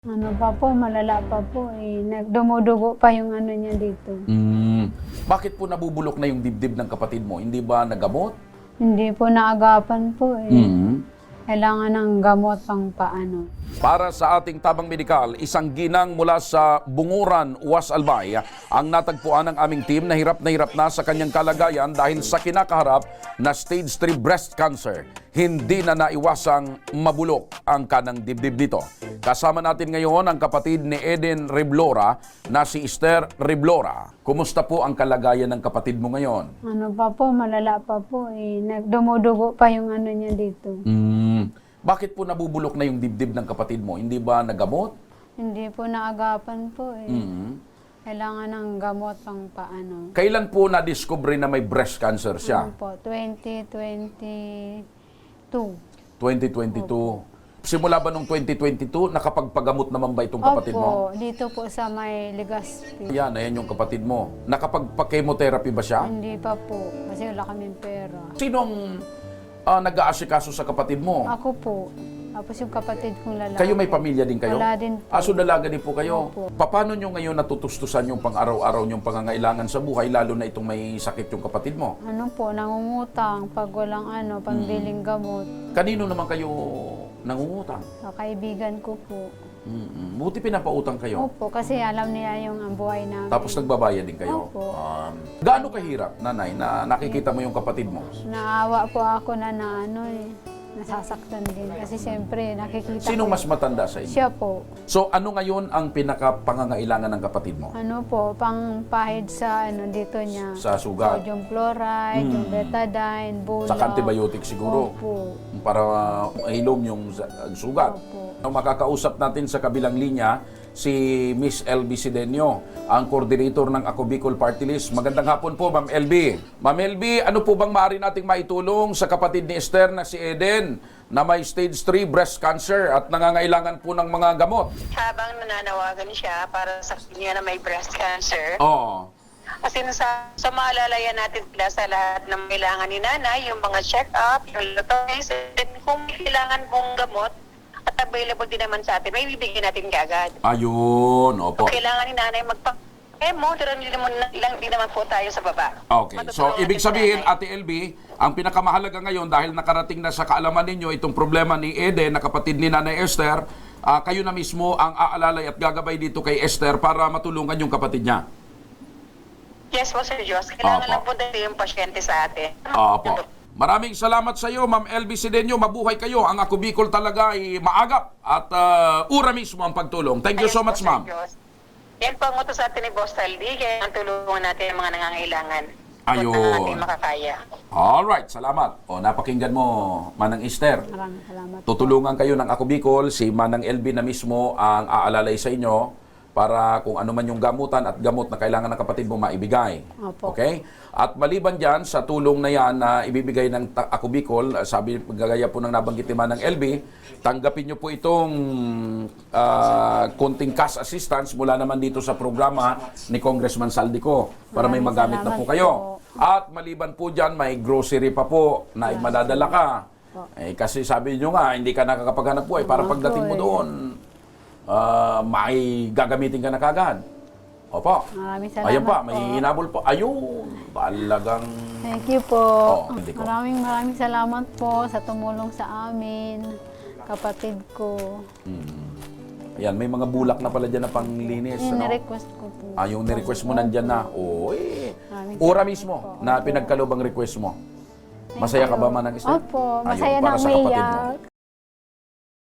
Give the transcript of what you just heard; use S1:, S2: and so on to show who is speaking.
S1: Ano pa po, malala pa po eh. Dumudugo pa yung ano niya dito.
S2: Bakit po nabubulok na yung dibdib ng kapatid mo? Hindi ba nagamot?
S1: Hindi po naagapan po eh. Kailangan ng gamot pang paano.
S2: Para sa ating tabang medikal, isang ginang mula sa Bunguran, Uwas Albay, ang natagpuan ng aming team na hirap na sa kanyang kalagayan dahil sa kinakaharap na stage 3 breast cancer. Hindi na naiwasang mabulok ang kanang dibdib nito. Kasama natin ngayon ang kapatid ni Eden Reblora na si Esther Reblora. Kumusta po ang kalagayan ng kapatid mo ngayon?
S1: Ano pa po, malala pa po eh. Dumudugo pa yung ano niya dito.
S2: Bakit po nabubulok na yung dibdib ng kapatid mo? Hindi ba nagamot?
S1: Hindi po naagapan po eh. Kailangan ng gamot pang paano.
S2: Kailan po na-discover na may breast cancer siya?
S1: Ano po, 2022.
S2: 2022. Simula ba nung 2022, nakapagpagamot naman ba itong kapatid mo?
S1: Opo, dito po sa may Legazpi.
S2: Yan, ayan yung kapatid mo. Nakapagpa-chemotherapy ba siya?
S1: Hindi pa po, kasi wala kaming pera.
S2: Sinong nag-aasikaso sa kapatid mo?
S1: Ako po. Tapos yung kapatid kong lalaki.
S2: Kayo may pamilya din kayo?
S1: Wala din po.
S2: So dalaga din po kayo?
S1: Opo.
S2: Paano nyo ngayon natutustusan yung pang-araw-araw nyong pangangailangan sa buhay, lalo na itong may sakit yung kapatid mo?
S1: Ano po, nangungutang pag walang pambiling gamot.
S2: Kanino naman kayo nangungutang?
S1: Sa kaibigan ko po.
S2: Buti pinapautang kayo.
S1: Opo, kasi alam niya yung ang buhay namin.
S2: Tapos nagbabayad din kayo.
S1: Opo.
S2: Gaano kahirap, nanay, na nakikita mo yung kapatid mo?
S1: Naawa po ako na nasasaktan din. Kasi siyempre, nakikita
S2: Sinong
S1: ko.
S2: mas matanda sa inyo?
S1: Siya po.
S2: So ano ngayon ang pinaka-pangangailangan ng kapatid mo?
S1: Ano po, pang pahid sa dito niya.
S2: Sa sugat?
S1: Sodium chloride, yung betadine, bulak.
S2: Sa antibiotic siguro?
S1: Opo.
S2: Para mahilom yung sugat.
S1: Opo.
S2: Makakausap natin sa kabilang linya si Miss LB Sidenio, ang coordinator ng Ako Bicol Party List. Magandang hapon po, Ma'am LB. Ma'am LB, ano po bang maaari nating maitulong sa kapatid ni Esther na si Eden na may stage 3 breast cancer at nangangailangan po ng mga gamot?
S3: Habang nananawagan siya para sa kanya na may breast cancer,
S2: Oo.
S3: kasi sa maalalayan natin sila sa lahat ng kailangan ni nanay, yung mga check-up, yung lotoys, and kung may kailangan pong gamot, at available din naman sa atin, may bibigyan natin kaagad.
S2: Ayun, opo.
S3: Kung kailangan ni nanay magpa-emo, pero lang din naman po tayo sa baba.
S2: Okay. So,
S3: Matutulungan
S2: ibig
S3: natin si
S2: sabihin,
S3: nanay.
S2: Ate LB, ang pinakamahalaga ngayon dahil nakarating na sa kaalaman ninyo itong problema ni Eden na kapatid ni Nanay Esther, kayo na mismo ang aalalay at gagabay dito kay Esther para matulungan yung kapatid niya.
S3: Yes po, Sir Diyos. Kailangan
S2: Opo.
S3: lang po dito yung pasyente sa atin.
S2: Opo. Maraming salamat sa iyo, Ma'am LB Sidenio. Mabuhay kayo. Ang Ako Bicol talaga ay maagap at ura mismo ang pagtulong. Thank you so much, Ma'am.
S3: Yan po ang utos sa atin ni Boss Taldi, kaya ang tulungan natin ang mga nangangailangan.
S2: Ayun.
S3: Ang ating makakaya.
S2: Alright, salamat. O, napakinggan mo, Manang Esther.
S1: Maraming salamat po.
S2: Tutulungan kayo ng Ako Bicol, si Manang LB na mismo ang aalalay sa inyo para kung ano man yung gamutan at gamot na kailangan ng kapatid mo maibigay.
S1: Opo.
S2: Okay? At maliban dyan, sa tulong na yan na ibibigay ng Ako Bicol, sabi, gagaya po ng nabanggit ni Manang LB, tanggapin nyo po itong konting cash assistance mula naman dito sa programa ni Congressman Saldico para may
S1: Maraming
S2: magamit na po
S1: salamat
S2: kayo.
S1: po.
S2: At maliban po dyan, may grocery pa po na madadala ka. Eh, kasi sabi nyo nga, hindi ka nakakapaghanap buhay para pagdating mo doon, may gagamitin ka na kagad. Opo.
S1: Maraming salamat
S2: Ayan pa,
S1: po.
S2: may hinabol po. Ayun, talagang...
S1: Thank you po.
S2: Hindi ko.
S1: Maraming salamat po sa tumulong sa amin, kapatid ko.
S2: Ayan, may mga bulak na pala dyan na panglinis.
S1: Yung
S2: Ano?
S1: request ko po.
S2: Yung ni-request mo nandyan na. Oy,
S1: Maraming
S2: ora
S1: salamat
S2: mismo
S1: po.
S2: na pinagkaloob ang request mo. Masaya ka ba, Manang Esther?
S1: Opo,
S2: Ayun,
S1: masaya
S2: para
S1: na
S2: sa kapatid mo.
S1: umiyak.